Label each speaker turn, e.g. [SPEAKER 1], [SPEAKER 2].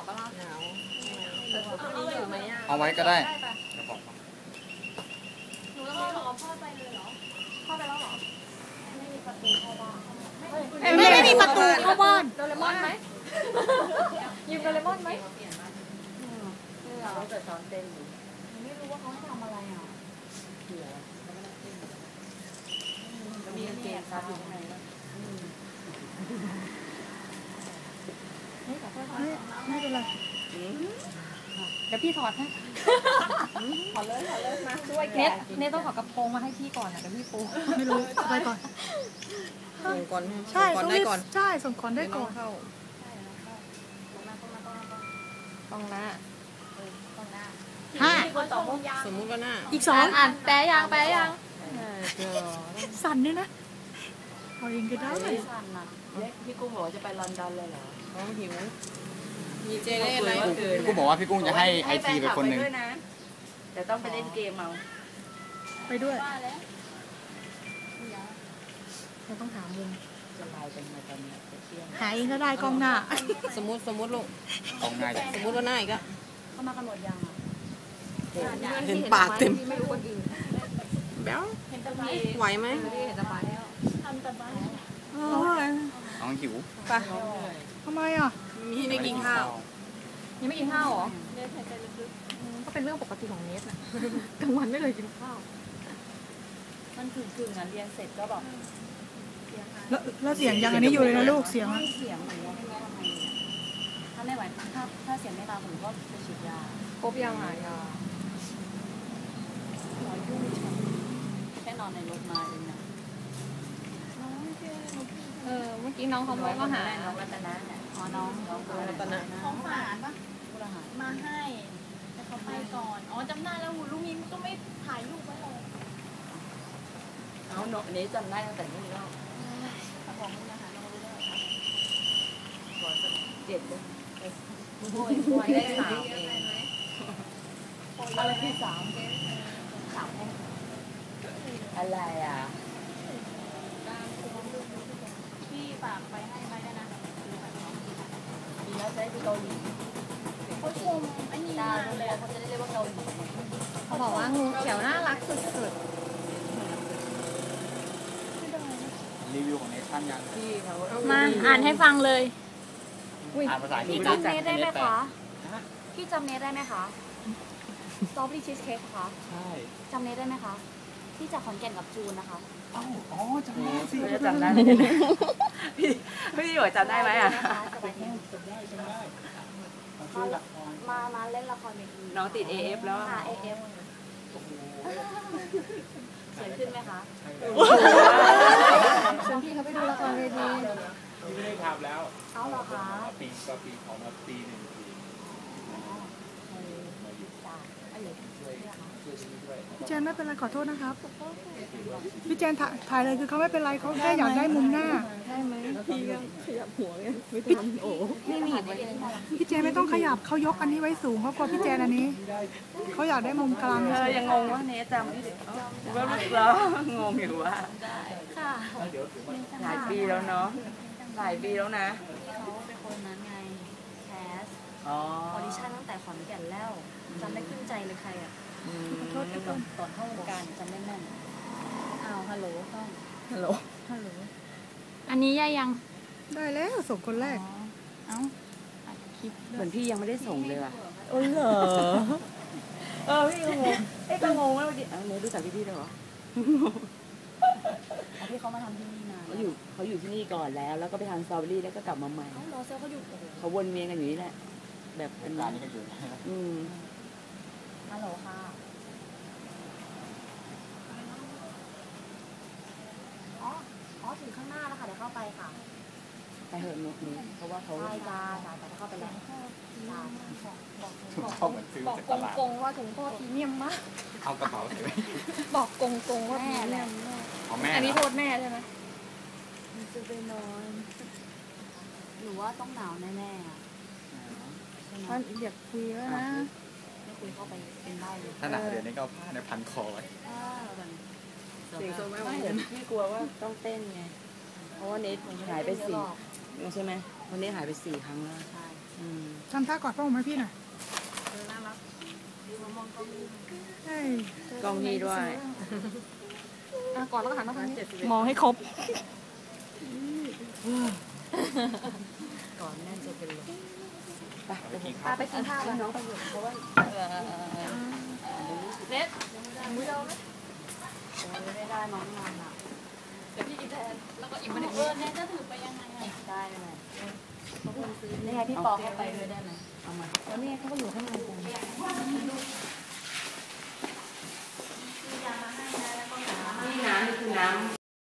[SPEAKER 1] ปะล่ะหนาว
[SPEAKER 2] เอาไว้ก็ได้
[SPEAKER 1] หนูต้องรอพ่อไปเลยเหรอพ่อไปแล้วเหรอไม่มีประตูเข้าบ้าน
[SPEAKER 3] ไม่มีประตูเข้าบ้าน
[SPEAKER 1] โดเรมอนไหมยืมโดเรมอนไหมเราแต่ตอนเต้นอยู่ไม่รู้ว่าเขาให้ทำอะไรอ่ะมีเกมซับอยู่ข้างในแล้ว
[SPEAKER 3] ไม่เป็นไร
[SPEAKER 1] เดี๋ยวพี่ถอดให้ถอดเลยมาช่วยแกเนทต้องถอดกระโปรงมาให้พี่ก่อนนะเดี๋ยวพี่ปู
[SPEAKER 3] ไม่รู้ไปก่อน
[SPEAKER 4] ส่งก่อน
[SPEAKER 3] ใช่
[SPEAKER 4] ได้ก่อน
[SPEAKER 3] ใช่ส่งก่อนได้ก่อน
[SPEAKER 1] ต้องหน้า
[SPEAKER 3] ห้า
[SPEAKER 4] สมมุติว่าหน้า
[SPEAKER 3] อีก2
[SPEAKER 1] อ่านแปลยัง
[SPEAKER 3] สั่นด้วยนะเอาเองก็ได้
[SPEAKER 1] พี่กุ้งบอกว่าจะไปลอนดอนเลยเหรอ
[SPEAKER 4] เขาหิวมีเจเล่อะไร
[SPEAKER 2] พี่กุ้งบอกว่าพี่กุ้งจะให้ไอทีไปคนหนึ่ง
[SPEAKER 1] เดี๋ยวต้องไปเล่นเกมเอา
[SPEAKER 3] ไปด้วยเราต้องหามุม
[SPEAKER 1] จะไลน์กันมาตอนนี้เที่ยง
[SPEAKER 3] หาเองก็ได้กล้องหน้า
[SPEAKER 4] สมมติลูก
[SPEAKER 2] กองหน้า
[SPEAKER 4] สมมติว่าหน้าอีกอะ
[SPEAKER 1] เข้ามากันหมดยังอ่ะ
[SPEAKER 4] เห็นปากเต็ม
[SPEAKER 1] ไม่รู้คนอื่น
[SPEAKER 4] แบ๊วไหวไหม
[SPEAKER 1] เห็นสบายแล้วทำสบาย
[SPEAKER 2] น้องหิว
[SPEAKER 4] ไป
[SPEAKER 3] ทำไมอ่ะ
[SPEAKER 4] มีไม่กินข้าว
[SPEAKER 1] ยังไม่กินข้าวเหรอก็เป็นเรื่องปกติของเนสนะกลางวันไม่เลยกินข้าวมันกึ่งๆอ่ะเรียนเสร็จก็แบบ
[SPEAKER 3] แล้วเสียงยังอันนี้อยู่เลยนะลูกเสียง
[SPEAKER 1] ไม่เสียงเหมือนถ้าไม่ไหวถ้าเสียงไม่ตามผมก็ไปฉีดยาครบยังหายาแค่นอนในรถมาเองนะเมื่อกี้น้องเขาบอกว่าหาน้องรัตนะเนี่ยอ๋อน้อง
[SPEAKER 4] รัตนะ
[SPEAKER 5] ของฝากปะมาให้แต่เขาไปก่อนอ๋อจำได้แล้วลูกนี้ก็ไม่ถ่ายรูปไว้เลย
[SPEAKER 1] เอาเนาะนี้จำได้ตั้งแต่นี่แล้ว
[SPEAKER 5] ของคุณนะคะน้องรู้ได้ไหม
[SPEAKER 1] ก่อน7เลยโอ้ยได้3เองอะไรที่3อะไรอ่ะ
[SPEAKER 5] พี่ฝากไปให้ไหมได้นะ
[SPEAKER 1] ดีแล้วจะได้ดูเกาหลี
[SPEAKER 5] เขาชมอันนี้
[SPEAKER 1] ตาดูแลเขาจะได้เรียกว่าเกาหลีเขาบอกว่างูเขียวน่ารักสุด
[SPEAKER 2] รีวิวของเนชั่นยัง
[SPEAKER 5] มาอ่านให้ฟังเลย
[SPEAKER 2] อ่านภาษาอังกฤษ
[SPEAKER 1] พี่จำเนสได้ไหมคะพี่จำเนสได้ไหมคะสตรอเบอรี่ชีสเค้กค่ะ
[SPEAKER 2] ใช่
[SPEAKER 1] จำเนสได้ไหมคะที่จากขอนแก่นกับจูนนะคะ
[SPEAKER 2] อ๋อจำได้สิ
[SPEAKER 1] จำได้พี่หยวยจำได้ไหมอ่ะมาเล่นละครเวทีน้องติด AF แล้วค่ะ AF สวยขึ้นไหมคะชวนพี่เขาไปดูละครเวที
[SPEAKER 2] พี่ไม่ได้ทำแล้ว
[SPEAKER 1] เอาเหรอคะ
[SPEAKER 2] ปีของมาปี1 ปี
[SPEAKER 3] พี่เจนไม่เป็นไรขอโทษนะครับพี่เจนถ่ายเลยคือเขาไม่เป็นไรเขาแค่อยากได้มุมหน้า
[SPEAKER 1] ได้ไหมพี่ก็ขยับหัวไงไม่ทันโอ้ไม่มี
[SPEAKER 3] พี่เจนไม่ต้องขยับเขายกอันนี้ไว้สูงเขากลัวพี่เจนอันนี้เขาอยากได้มุมกลาง
[SPEAKER 1] ยังงงว่าเนสจำไม่ได้ว่าลูกเรางงอยู่ว่าค่ะหลายปีแล้วเนาะหลายปีแล้วนะเขาเป็นคนนั้นไงแคสออดิชั่นตั้งแต่ขอนแก่นแล้วจำได้ขึ้นใจเลยใครอ่ะโทษที่ก่อนเข้าวงการจำได้แม่นอ้าวฮัลโหลต้องฮัลโหล
[SPEAKER 5] อันนี้ย่ายัง
[SPEAKER 3] ได้แล้วส่งคนแรก
[SPEAKER 5] เอ้า
[SPEAKER 1] คลิปเหมือนพี่ยังไม่ได้ส่งเลยอ่ะ
[SPEAKER 4] โอ้เหรอ
[SPEAKER 1] พี่ก็งงก็งงว่าเนยรู้จักพี่ด้วยเหรอที่เขามาทำที่นี่นานเขาอยู่ที่นี่ก่อนแล้วก็ไปทำสตรอเบอรี่แล้วก็กลับมาใหม่เขาวนเวียนกันอยู่นี่แหละแบบเป็น
[SPEAKER 2] ร้านนี้ก็อยู่
[SPEAKER 1] ฮัลโหลค่ะอ๋อถึงข้างหน้าแล้วค่ะเดี๋ยวเข้าไปค่ะไปเหอะนกนี้เพราะว่าเขาใช่จ้าแต่เข้าไปแล้วบอกกงว่าถุงพ่อพรีเมียมมาก
[SPEAKER 2] เอากระเป๋าถือ
[SPEAKER 1] บอกกงว่าพรีเมียมอันนี้โทษแม่ใช่ไหมจะไปนอนหรือว่าต้องหนาวแน่ๆ
[SPEAKER 3] ท่านอยากคุยแล้วนะ
[SPEAKER 1] ไม่คุยเข้าไปเป็นได้เลย
[SPEAKER 2] ถ้าหนาวเดี๋ยวนี้ก็ผ้าในพันคอไว้
[SPEAKER 1] เสียงโซไม่พี่กลัวว่าต้องเต้นไงเพราะว่าเนทหายไป4ใช่ไหมวันนี้หายไป4 ครั้งแล้วใช่
[SPEAKER 3] ทำท่ากอดพ่อผมให้พี่หน่อยเฮ้ย
[SPEAKER 1] กล้องนี้ด้วย
[SPEAKER 3] กอดแล้วก็หันมาทางนี้
[SPEAKER 5] มองให้ครบ
[SPEAKER 1] ก่อนแน่นจะเป็นลมไป
[SPEAKER 5] ไปกินข้าวแล้วน้องไปอยู่เพราะว่าเน็ตมือเราไหม
[SPEAKER 1] ไม่ได้น้องนอนอ่ะ
[SPEAKER 5] เดี๋ยวพี่กินแทนแล้วก็อีกมันเน็ตจะถือไปยังไงอ่ะ
[SPEAKER 1] ได้ไหม
[SPEAKER 5] นี่ไงพี่ปอเข้าไปด้วยได้ไหม
[SPEAKER 1] เอามา
[SPEAKER 5] แล้วนี่เขาก็อยู่ข้างในกัน
[SPEAKER 1] นี่น้ำนี่คือน้